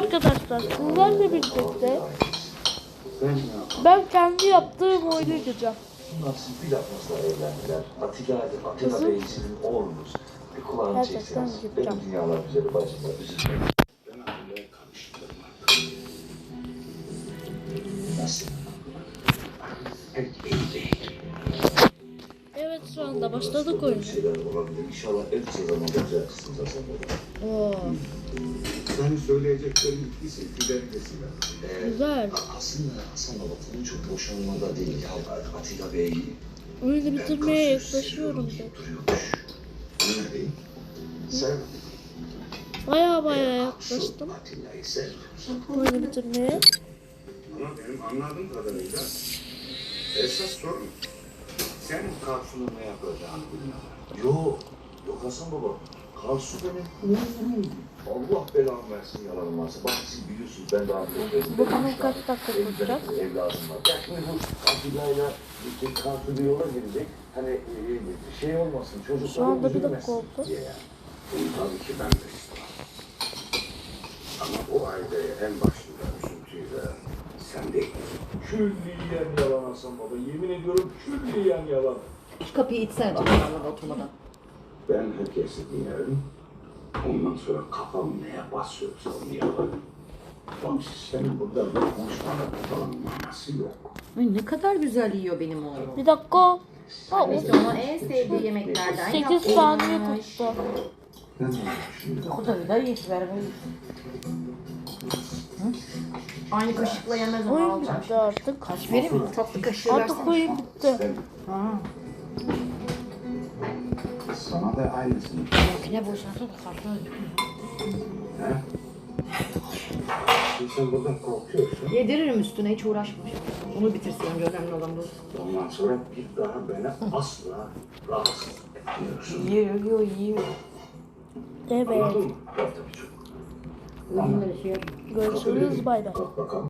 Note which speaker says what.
Speaker 1: arkadaşlar sizlerle birlikte ben kendi yaptığım oyunu yapacağım.
Speaker 2: Nasıl bir lafızla evlendiler. Atilla Bey'in oğlumuz. Bir kulağını çekseniz. Benim dünyalar güzeli bacımlar üzülmeyin. Ben Atilla'ya karıştırma. Nasıl? Pek iyi değil.
Speaker 1: Evet şu anda başladık oyunu.
Speaker 2: Şeyler olabilir. İnşallah en kısa zamanda düzeltirsiniz Hasan Baba.
Speaker 1: Oo,
Speaker 3: Senin söyleyeceklerin ikisi güzelcesiyle.
Speaker 1: güzel.
Speaker 2: Aslında Hasan Baba konu çok boşanmada değil ya. Atilla Bey
Speaker 1: Oyunu bitirmeye yaklaşıyorum da.
Speaker 2: duruyormuş.
Speaker 3: Ne diyeyim?
Speaker 2: Sen
Speaker 1: Baya yaklaştım
Speaker 2: Atilla'yı sevmiyorsun.
Speaker 1: oyunu bitirmeye.
Speaker 3: Ama benim anladığım kadarıyla esas sorun sen Karsu'nun ne yapacağını bilmiyorlar.
Speaker 2: Yok Hasan Baba. Karsu benim oğlum. Allah belamı versin yalanım varsa. Bak siz biliyorsunuz ben daha çok
Speaker 1: Bakalım kaç dakika tutacak.
Speaker 2: evladım var. Ya şimdi bu Atilla'yla Karsu bir yola girecek. Hani şey olmasın çocuklar
Speaker 1: Şu anda bir
Speaker 2: üzülmesin
Speaker 1: dakika oldu.
Speaker 2: diye yani.
Speaker 3: Tabii ki ben de istemem. Ama bu aileye en başında üzüntüyle sen değil.
Speaker 2: Külliyen yalan Hasan Baba. Yemin ediyorum külliyen yalan.
Speaker 4: Şu kapıyı itsene çocuklarla oturmadan.
Speaker 3: Ben herkesi dinlerim. Ondan sonra kafam neye basıyorsa onu yaparım. Tamam senin burada bir konuşmanın falan manası yok.
Speaker 4: Ay ne kadar güzel yiyor benim oğlum.
Speaker 1: Bir dakika. Ha, o
Speaker 4: İşte ona en sevdiği yemeklerden
Speaker 1: 8 saniye tuttu.
Speaker 3: Ne olmuş şimdi?
Speaker 4: O kadar da iyi ver Aynı kaşıkla yemez onu
Speaker 1: Oyun
Speaker 4: alacağım.
Speaker 1: bitti artık.
Speaker 4: Kaş verir mi? Tatlı kaşığı
Speaker 1: Artık
Speaker 4: versene.
Speaker 1: oyun bitti.
Speaker 4: Ha.
Speaker 3: Sana da aynısını.
Speaker 4: Makine boşaltın da kartını
Speaker 3: He? Şimdi sen buradan korkuyorsun.
Speaker 4: Yediririm üstüne hiç uğraşma. Onu bitirsin önce önemli olan bu.
Speaker 3: Ondan sonra bir daha beni asla rahatsız etmiyorsun.
Speaker 4: Yiyor.
Speaker 1: Evet.
Speaker 3: Anladın mı?
Speaker 2: Tabii çok.
Speaker 4: Bunları şey
Speaker 1: Görüşürüz bay bay.
Speaker 3: Bak bakalım.